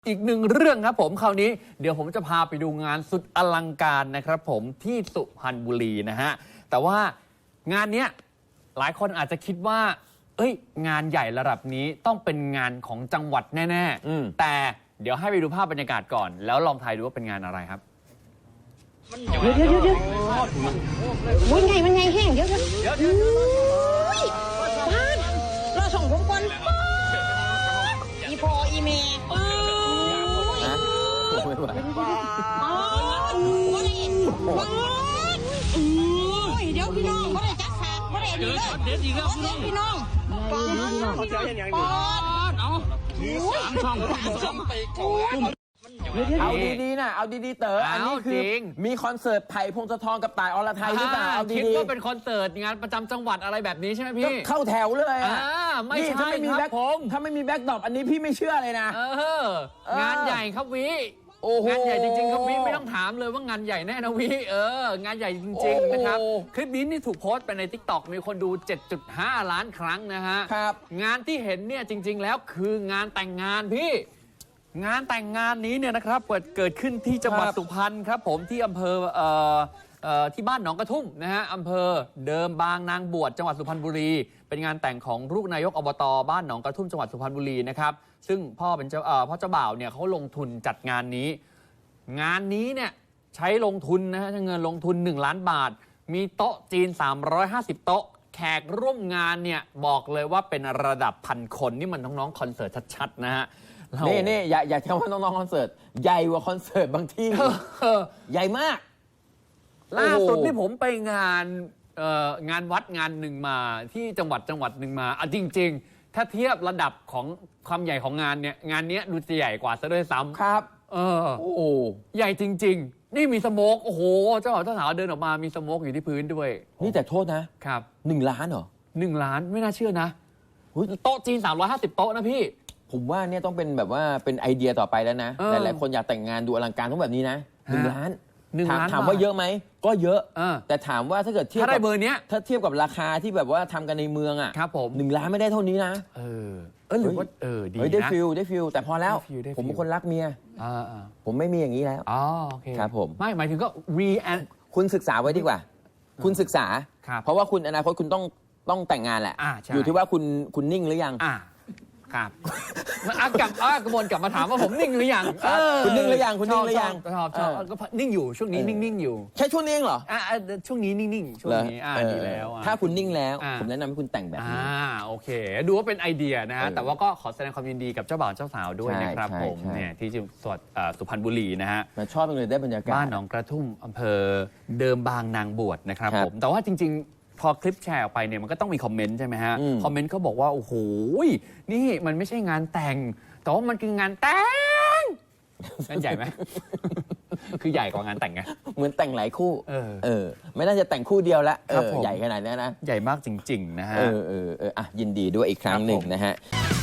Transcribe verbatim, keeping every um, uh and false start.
อีกหนึ่งเรื่องครับผมคราวนี้เดี๋ยวผมจะพาไปดูงานสุดอลังการนะครับผมที่สุพรรณบุรีนะฮะแต่ว่างานเนี้ยหลายคนอาจจะคิดว่าเอ้ยงานใหญ่ระดับนี้ต้องเป็นงานของจังหวัดแน่ๆแต่เดี๋ยวให้ไปดูภาพบรรยากาศก่อนแล้วลองทายดูว่าเป็นงานอะไรครับเดี๋ยวเดี๋ยวเดี๋ยวมันไงมันไงแห้งเดี๋ยวเดี๋ยวบ้านเราส่งผมก่อนอีพออีเมย์ไม่ไหวอ๋อบ่ได้บ้านเดี๋ยวพี่น้องบ่ได้จัดฉากบ่ได้ดีเลยเดี๋ยวดีแล้วพี่น้องบ้านบ้านเอาสามช่องสองไปก่อนเอาดีๆนะเอาดีๆเต๋ออันนี้คือมีคอนเสิร์ตไผ่พงศธรกับต่ายอรไทยหรือเปล่าเอาดีๆคิดว่าเป็นคอนเสิร์ตงานประจำจังหวัดอะไรแบบนี้ใช่ไหมพี่เข้าแถวเลยอ่ะไม่ใช่ครับผมถ้าไม่มีแบ็คดรอปอันนี้พี่ไม่เชื่อเลยนะงานใหญ่ครับวิงานใหญ่จริงๆครับวิไม่ต้องถามเลยว่างานใหญ่แน่นะวิเอองานใหญ่จริงๆนะครับคลิปนี้นี่ถูกโพสต์ไปใน ติ๊กต็อก มีคนดู เจ็ดจุดห้า ล้านครั้งนะฮะงานที่เห็นเนี่ยจริงๆแล้วคืองานแต่งงานพี่งานแต่งงานนี้เนี่ยนะครับเกิดเกิดขึ้นที่จังหวัดสุพรรณครับผมที่อำเภอเอ่อเอ่อที่บ้านหนองกระทุ่มนะฮะอำเภอเดิมบางนางบวชจังหวัดสุพรรณบุรีเป็นงานแต่งของลูกนายกอบตบ้านหนองกระทุ่มจังหวัดสุพรรณบุรีนะครับซึ่งพ่อเป็นเจ้าเอ่อพ่อเจ้าบ่าวเนี่ยเขาลงทุนจัดงานนี้งานนี้เนี่ยใช้ลงทุนนะฮะเงินลงทุนหนึ่งล้านบาทมีโต๊ะจีนสามร้อยห้าสิบโต๊ะแขกร่วมงานเนี่ยบอกเลยว่าเป็นระดับพันคนนี่มันน้องๆคอนเสิร์ตชัดๆนะฮะนี่นี่อย่าอย่าใช้ว่าน้องๆคอนเสิร์ตใหญ่กว่าคอนเสิร์ตบางที่ใหญ่มากล่าสุดที่ผมไปงานงานวัดงานหนึ่งมาที่จังหวัดจังหวัดหนึ่งมาอ่ะจริงๆถ้าเทียบระดับของความใหญ่ของงานเนี่ยงานนี้ดูจะใหญ่กว่าซะด้วยซ้ำครับเออโอ้ใหญ่จริงๆนี่มีสโมกโอ้โหเจ้าบ่าวเจ้าสาวเดินออกมามีสโมกอยู่ที่พื้นด้วยนี่แต่โทษนะครับหนึ่งล้านเหรอหนึ่งล้านไม่น่าเชื่อนะโต๊ะจีนสามร้อยห้าสิบโต๊ะนะพี่ผมว่าเนี่ยต้องเป็นแบบว่าเป็นไอเดียต่อไปแล้วนะหลายๆคนอยากแต่งงานดูอลังการต้องแบบนี้นะหนึ่งล้านถามว่าเยอะไหมก็เยอะแต่ถามว่าถ้าเกิดเทียบกับเบอร์เนี้ยถ้าเทียบกับราคาที่แบบว่าทำกันในเมืองอ่ะครับผมหนึ่งล้านไม่ได้เท่านี้นะเออเออหรือว่าเออดีนะได้ฟิลได้ฟิลแต่พอแล้วผมเป็นคนรักเมียผมไม่มีอย่างนี้แล้วอ๋อโอเคครับผมไม่หมายถึงก็รีแอนคุณศึกษาไว้ดีกว่าคุณศึกษาเพราะว่าคุณอนาคตคุณต้องต้องแต่งงานแหละอยู่ที่ว่าคุณคุณนิ่งหรือยังครับมันกลับกระบวนกลับมาถามว่าผมนิ่งหรือยังคุณนิ่งหรือยังคุณนิ่งหรือยังชอบชอบก็นิ่งอยู่ช่วงนี้นิ่งๆอยู่แค่ช่วงนี้เหรออ่าช่วงนี้นิ่งๆช่วงนี้อ่าดีแล้วถ้าคุณนิ่งแล้วผมแนะนำให้คุณแต่งแบบนี้อ่าโอเคดูว่าเป็นไอเดียนะฮะแต่ว่าก็ขอแสดงความยินดีกับเจ้าบ่าวเจ้าสาวด้วยนะครับผมเนี่ยที่จังหวัดสุพรรณบุรีนะฮะชอบเลยได้บรรยากาศบ้านหนองกระทุ่มอำเภอเดิมบางนางบวชนะครับผมแต่ว่าจริงๆพอคลิปแชร์ออกไปเนี่ยมันก็ต้องมีคอมเมนต์ใช่ไหมฮะคอมเมนต์เขาบอกว่าโอ้โหนี่มันไม่ใช่งานแต่งแต่ว่ามันคืองานแต่งงานใหญ่ไหมคือใหญ่กว่างานแต่งไงเหมือนแต่งหลายคู่เออเออไม่น่าจะแต่งคู่เดียวละใหญ่ขนาดนี้นะใหญ่มากจริงๆนะฮะเออเออเอออ่ะยินดีด้วยอีกครั้งหนึ่งนะฮะ